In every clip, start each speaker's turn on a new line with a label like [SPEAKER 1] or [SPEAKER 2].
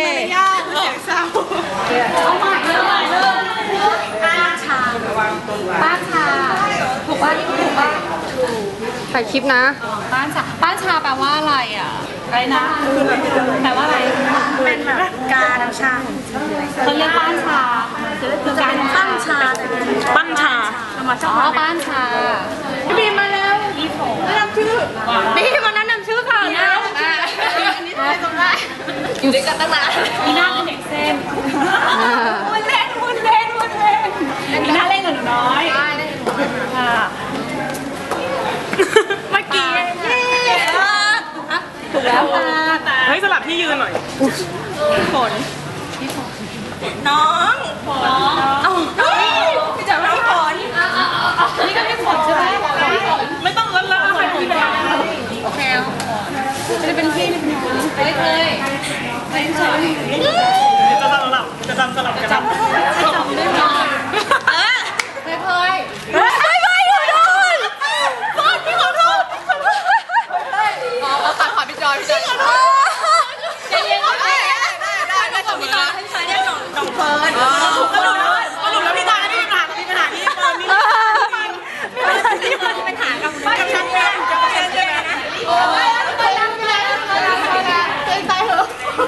[SPEAKER 1] ยากเสียงเศร้าเอาใหม่เลยป้าชาถูกว่านี่ถูกว่า
[SPEAKER 2] ถ่ายคลิปนะ
[SPEAKER 1] ป้าชาแปลว่าอะไรอ่ะอะไรนะแปลว่าอะไรเป็นแบบการน้ำชาเขาเรียกป้าชาคือการปั้นชาอ๋อป้านชาพี่บีมมาแล้วแนะนำชื่อบีมมาแนะนำชื่อค่ะนะอันนี้ทำไมต้องได้อยู่ด้วยกันตั้งนานมีหน้าเป็นเด็กเส้นวุ้นเล่นมีหน้าเล่นกับหนูน้อยค่ะเมื่อกี้ถูกแล้วค่ะ
[SPEAKER 3] เฮ้ยสลับที่ยืนหน่อยฝนน้อง
[SPEAKER 1] พี่จ๋าไม่ฝนนี่ก็ไม่ฝนใช่ไหม
[SPEAKER 3] ไม่ต้องแล้วใครพี่ไป
[SPEAKER 1] โอเคจะเป็นพี่ไม่เคยไม่ใช่
[SPEAKER 3] จะจำสลับกัน
[SPEAKER 1] จำได้ไหมไม่เคยพี่ขอโทษเอาตัดขอพี่จอยขอโทษใจเย็นได้ส่งพี่จอยให้ใช้ได้น้องเฟิร์น
[SPEAKER 3] ก็หลุดแล้วพี่ตาไม่มีปัญหาที่เฟิร์นมีปัญหากับชั้นเพื่อนใช่ไหมนะ
[SPEAKER 1] โอ้ยไปแล้วเกินไปเหรอ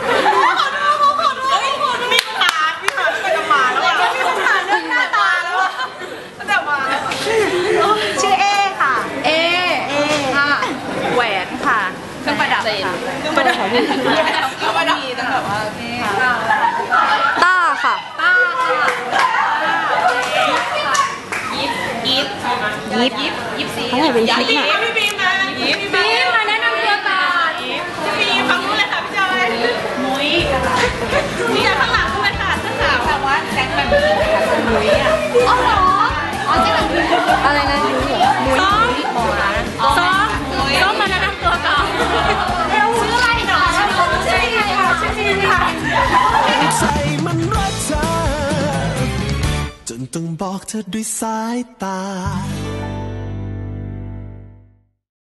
[SPEAKER 3] มีปัญหาไปกับหมาแล้วอ่ะ
[SPEAKER 1] มีปัญหาเรื่องหน้าตาแล้วอ่ะตั้งแต่มาชื่อเอค่ะเอค่ะแหวนค่ะเครื่องประดับค่ะเครื่องประดับมีตั้งแบบว่า
[SPEAKER 2] ต้าค่ะ
[SPEAKER 1] ยิบสี
[SPEAKER 2] เขาถ่ายเป็นคลิปน่ะ
[SPEAKER 3] พี่บี
[SPEAKER 1] มาแนะนำตัวก่อน
[SPEAKER 3] พี่บีฟังรู้เลยค่ะพี่จอย
[SPEAKER 1] มุ้ย
[SPEAKER 3] นี่ข้างหลังด้วยค่ะเสื้อขาว
[SPEAKER 1] แต่ว่าแจ็คแบบมุ้ยอ่ะอ๋อเหรออ๋อแจ็คแบบ
[SPEAKER 2] อะไรนะยุ้ยเหรอมุ้ย
[SPEAKER 1] ซ้อมมาแนะนำตัวก่อนชื่ออะไรหนอชื่ออะไรค่ะชื่ออะไร
[SPEAKER 4] ใจมันรักเธอจนต้องบอกเธอด้วยสายตา